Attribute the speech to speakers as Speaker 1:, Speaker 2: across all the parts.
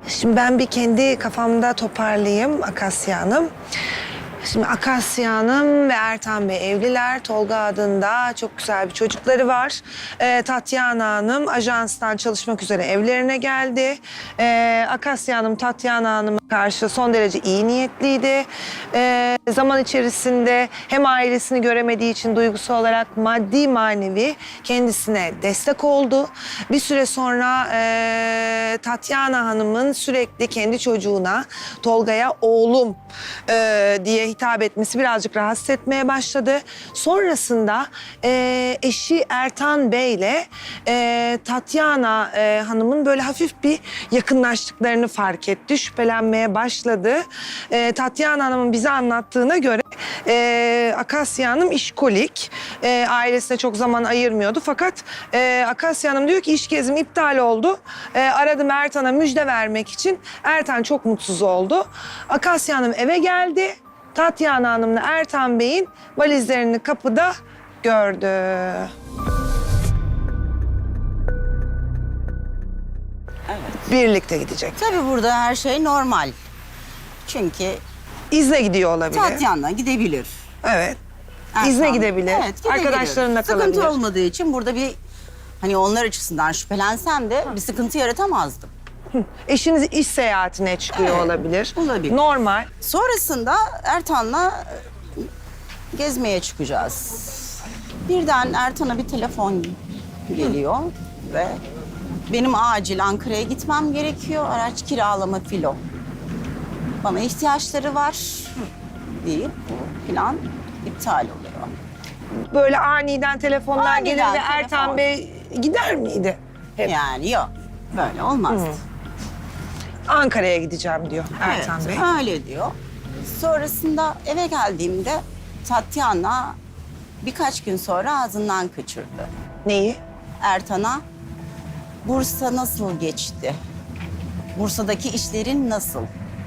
Speaker 1: Şimdi ben bir kendi kafamda toparlayayım Akasya Hanım. Şimdi Akasya Hanım ve Ertan Bey evliler. Tolga adında çok güzel bir çocukları var. Tatyana Hanım ajanstan çalışmak üzere evlerine geldi. Akasya Hanım Tatyana Hanım'a karşı son derece iyi niyetliydi. Zaman içerisinde hem ailesini göremediği için duygusal olarak maddi manevi kendisine destek oldu. Bir süre sonra Tatyana Hanım'ın sürekli kendi çocuğuna Tolga'ya oğlum diye hitap etmesi birazcık rahatsız etmeye başladı. Sonrasında eşi Ertan Bey ile Tatyana Hanım'ın böyle hafif bir yakınlaştıklarını fark etti. Şüphelenmeye başladı. Tatyana Hanım'ın bize anlattığına göre Akasya Hanım işkolik. Ailesine çok zaman ayırmıyordu. Fakat Akasya Hanım diyor ki iş gezim iptal oldu. Aradım Ertan'a müjde vermek için. Ertan çok mutsuz oldu. Akasya Hanım eve geldi. Tatyana Hanım'la Ertan Bey'in valizlerini kapıda gördü.
Speaker 2: Evet.
Speaker 1: Birlikte gidecek.
Speaker 2: Tabii burada her şey normal. Çünkü
Speaker 1: İzle gidiyor olabilir.
Speaker 2: Tatyana gidebilir.
Speaker 1: Evet.
Speaker 2: Ertan,
Speaker 1: İzne gidebilir.
Speaker 2: Evet, gidebilir.
Speaker 1: Arkadaşlarınla kalabilir.
Speaker 2: Sıkıntı olmadığı için burada bir hani onlar açısından şüphelensem de bir sıkıntı yaratamazdım.
Speaker 1: Eşiniz iş seyahatine çıkıyor
Speaker 2: Evet,
Speaker 1: olabilir.
Speaker 2: olabilir.
Speaker 1: Normal.
Speaker 2: Sonrasında Ertan'la gezmeye çıkacağız. Birden Ertan'a bir telefon geliyor ve benim acil Ankara'ya gitmem gerekiyor. Araç kiralama filo. Bana ihtiyaçları var deyip bu plan iptal oluyor.
Speaker 1: Böyle aniden telefonlar
Speaker 2: Aniden
Speaker 1: gelir ve
Speaker 2: telefon.
Speaker 1: Ertan Bey gider miydi? Hep.
Speaker 2: Yani yok, böyle olmaz.
Speaker 1: Ankara'ya gideceğim diyor Ertan
Speaker 2: Evet,
Speaker 1: Bey.
Speaker 2: öyle diyor. Sonrasında eve geldiğimde Tatyana birkaç gün sonra ağzından kaçırdı.
Speaker 1: Neyi?
Speaker 2: Ertan'a Bursa nasıl geçti? Bursa'daki işlerin nasıl?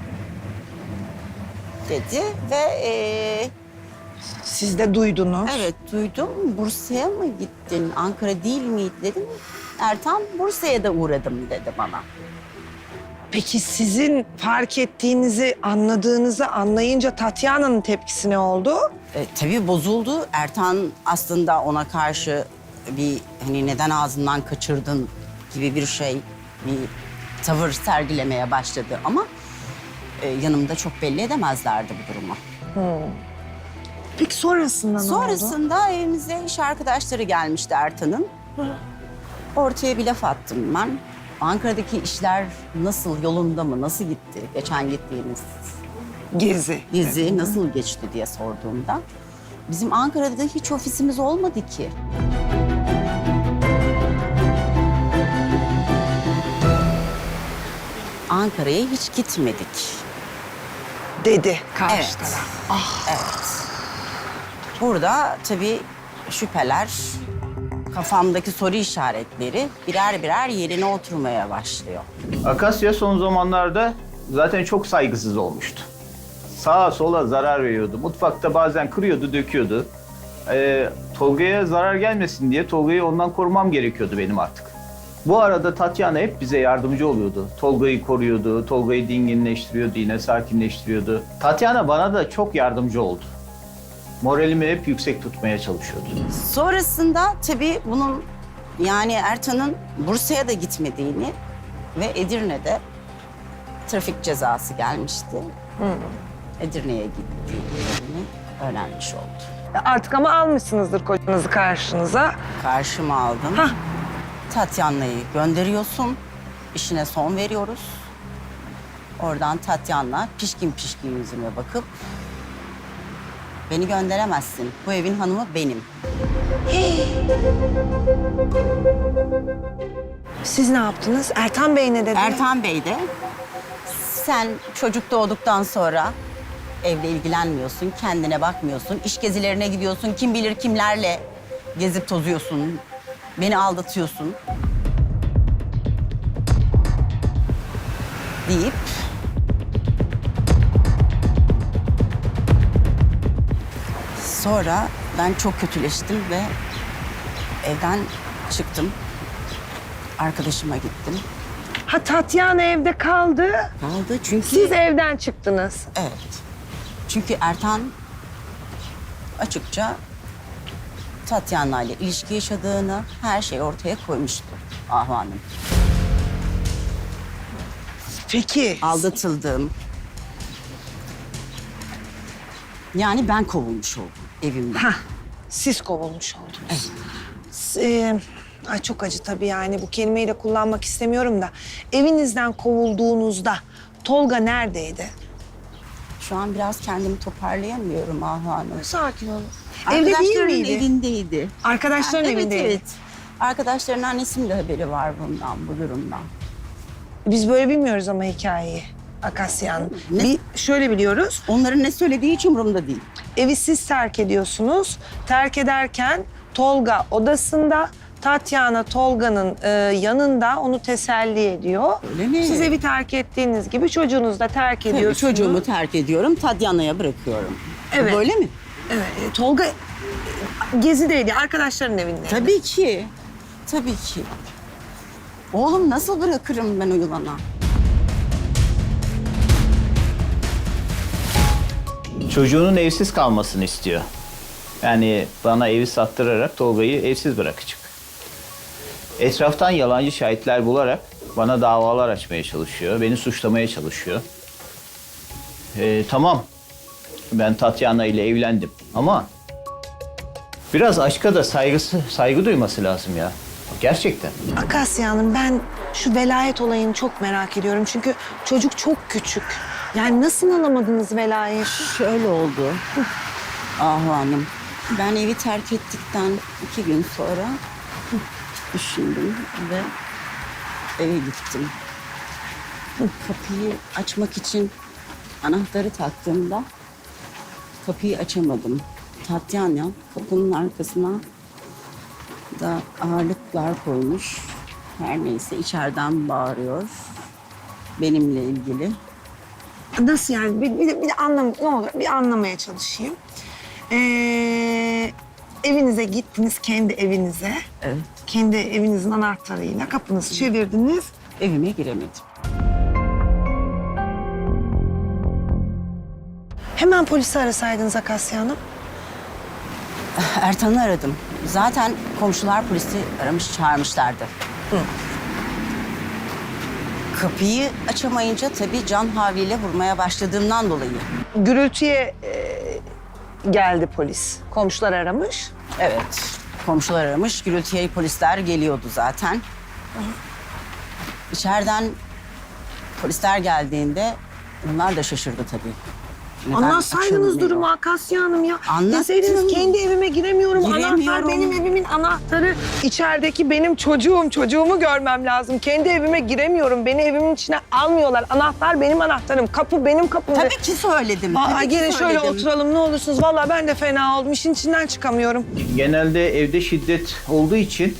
Speaker 2: Dedi ve
Speaker 1: Siz de duydunuz.
Speaker 2: evet duydum. Bursa'ya mı gittin? Ankara değil miydi dedim. Ertan Bursa'ya da uğradım dedi bana.
Speaker 1: Peki sizin fark ettiğinizi, anladığınızı anlayınca Tatyana'nın tepkisi ne oldu?
Speaker 2: Tabii bozuldu. Ertan aslında ona karşı bir hani neden ağzından kaçırdın gibi bir şey, bir tavır sergilemeye başladı ama yanımda çok belli edemezlerdi bu durumu.
Speaker 1: Peki sonrasında ne oldu?
Speaker 2: Sonrasında evimize iş arkadaşları gelmişti Ertan'ın. Ortaya bir laf attım ben. Ankara'daki işler nasıl, yolunda mı, nasıl gitti? Geçen gittiğimiz
Speaker 1: Gezi.
Speaker 2: gezi nasıl geçti diye sorduğumda bizim Ankara'da hiç ofisimiz olmadı ki. Ankara'ya hiç gitmedik.
Speaker 1: Dedi karşı
Speaker 2: Evet.
Speaker 1: taraf.
Speaker 2: Evet. Burada tabii şüpheler, kafamdaki soru işaretleri birer birer yerine oturmaya başlıyor.
Speaker 3: Akasya son zamanlarda zaten çok saygısız olmuştu. Sağa sola zarar veriyordu. Mutfakta bazen kırıyordu, döküyordu. Tolga'ya zarar gelmesin diye Tolga'yı ondan korumam gerekiyordu benim artık. Bu arada Tatyana hep bize yardımcı oluyordu. Tolga'yı koruyordu, Tolga'yı dinginleştiriyordu, yine sakinleştiriyordu. Tatyana bana da çok yardımcı oldu. Moralimi hep yüksek tutmaya çalışıyordu.
Speaker 2: Sonrasında tabii bunun yani Ertan'ın Bursa'ya da gitmediğini ve Edirne'de trafik cezası gelmişti. Edirne'ye gittiğini öğrenmiş oldu.
Speaker 1: Artık ama almışsınızdır kocanızı karşınıza.
Speaker 2: Karşıma aldım.
Speaker 1: Hah.
Speaker 2: Tatyana'yı gönderiyorsun. İşine son veriyoruz. Oradan Tatyana pişkin pişkin yüzüme bakıp beni gönderemezsin. Bu evin hanımı benim.
Speaker 1: Siz ne yaptınız? Ertan Bey ne dedi?
Speaker 2: Ertan Bey de sen çocuk doğduktan sonra evle ilgilenmiyorsun, kendine bakmıyorsun, iş gezilerine gidiyorsun, kim bilir kimlerle gezip tozuyorsun, beni aldatıyorsun deyip sonra ben çok kötüleştim ve evden çıktım. Arkadaşıma gittim.
Speaker 1: Ha, Tatyana evde kaldı.
Speaker 2: Kaldı çünkü...
Speaker 1: Siz evden çıktınız.
Speaker 2: Evet. Çünkü Ertan açıkça Tatyana ile ilişki yaşadığını, her şeyi ortaya koymuştu Ahu Hanım.
Speaker 1: Peki.
Speaker 2: Aldatıldığım. Yani ben kovulmuş oldum evimden.
Speaker 1: Ha, siz kovulmuş oldunuz. Ay çok acı tabii, yani bu kelimeyi de kullanmak istemiyorum da. Evinizden kovulduğunuzda Tolga neredeydi?
Speaker 2: Şu an biraz kendimi toparlayamıyorum Ahu Hanım.
Speaker 1: Sakin olun. Evde değil
Speaker 2: Arkadaşlarının
Speaker 1: miydi?
Speaker 2: evindeydi.
Speaker 1: Arkadaşların
Speaker 2: Evet,
Speaker 1: evindeydi.
Speaker 2: evet. Arkadaşlarının annesinin de haberi var bundan, bu durumdan.
Speaker 1: Biz böyle bilmiyoruz ama hikayeyi. Akasya Hanım.
Speaker 2: Ne?
Speaker 1: Şöyle biliyoruz.
Speaker 2: Onların ne söylediği hiç umurumda değil.
Speaker 1: Evi siz terk ediyorsunuz. Terk ederken Tolga odasında, Tatyana Tolga'nın yanında onu teselli ediyor.
Speaker 2: Öyle mi?
Speaker 1: Siz evi terk ettiğiniz gibi çocuğunuzu da terk
Speaker 2: Tabii,
Speaker 1: ediyorsunuz.
Speaker 2: çocuğumu terk ediyorum, Tadyana'ya bırakıyorum.
Speaker 1: Evet.
Speaker 2: Böyle mi?
Speaker 1: Evet, Tolga gezideydi, arkadaşların evinde.
Speaker 2: Tabii ki. Tabii ki. Oğlum nasıl bırakırım ben o yılana?
Speaker 3: Çocuğunun evsiz kalmasını istiyor. Yani bana evi sattırarak Tolga'yı evsiz bırakacak. Etraftan yalancı şahitler bularak bana davalar açmaya çalışıyor. Beni suçlamaya çalışıyor. Tamam, ben Tatyana ile evlendim ama biraz aşka da saygı duyması lazım ya. Gerçekten.
Speaker 1: Akasya Hanım, ben şu velayet olayını çok merak ediyorum. Çünkü çocuk çok küçük. Yani nasıl alamadınız velayeti?
Speaker 2: Şöyle oldu. Ahu Hanım, ben evi terk ettikten 2 gün sonra düşündüm ve eve gittim. Kapıyı açmak için anahtarı taktığımda kapıyı açamadım. Tatyana kapının arkasına da ağırlıklar koymuş. Her neyse içeriden bağırıyor. Benimle ilgili.
Speaker 1: Nasıl yani? Bir ne olur bir anlamaya çalışayım. Evinize gittiniz, kendi evinize.
Speaker 2: Evet.
Speaker 1: Kendi evinizin anahtarıyla kapınızı çevirdiniz.
Speaker 2: Evime giremedim.
Speaker 1: Hemen polisi arasaydınız Akasya Hanım.
Speaker 2: Ertan'ı aradım. Zaten komşular polisi aramış, çağırmışlardı. Kapıyı açamayınca tabii can havliyle vurmaya başladığımdan dolayı.
Speaker 1: Gürültüye geldi polis. Komşular aramış.
Speaker 2: Evet, komşular aramış. Gürültüye polisler geliyordu zaten. İçeriden polisler geldiğinde onlar da şaşırdı tabii. Neden
Speaker 1: Anlatsaydınız
Speaker 2: açılmıyor?
Speaker 1: durumu Akasya Hanım ya.
Speaker 2: Anlattım.
Speaker 1: Deseydiniz kendi evime giremiyorum. Anahtar
Speaker 2: Giremiyorum.
Speaker 1: benim evimin anahtarı. İçerideki benim çocuğum. Çocuğumu görmem lazım. Kendi evime giremiyorum. Beni evimin içine almıyorlar. Anahtar benim anahtarım. Kapı benim kapım.
Speaker 2: Tabii ki söyledim.
Speaker 1: Aa,
Speaker 2: tabii ki
Speaker 1: gelin şöyle
Speaker 2: söyledim.
Speaker 1: oturalım ne olursunuz. Vallahi ben de fena oldum. İşin içinden çıkamıyorum.
Speaker 3: Genelde evde şiddet olduğu için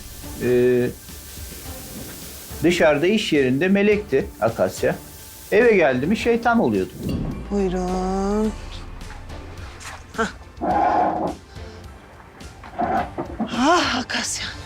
Speaker 3: dışarıda iş yerinde melekti Akasya. Eve geldi mi şeytan oluyordu.
Speaker 1: Buyurun. Hah. Ah Akasya.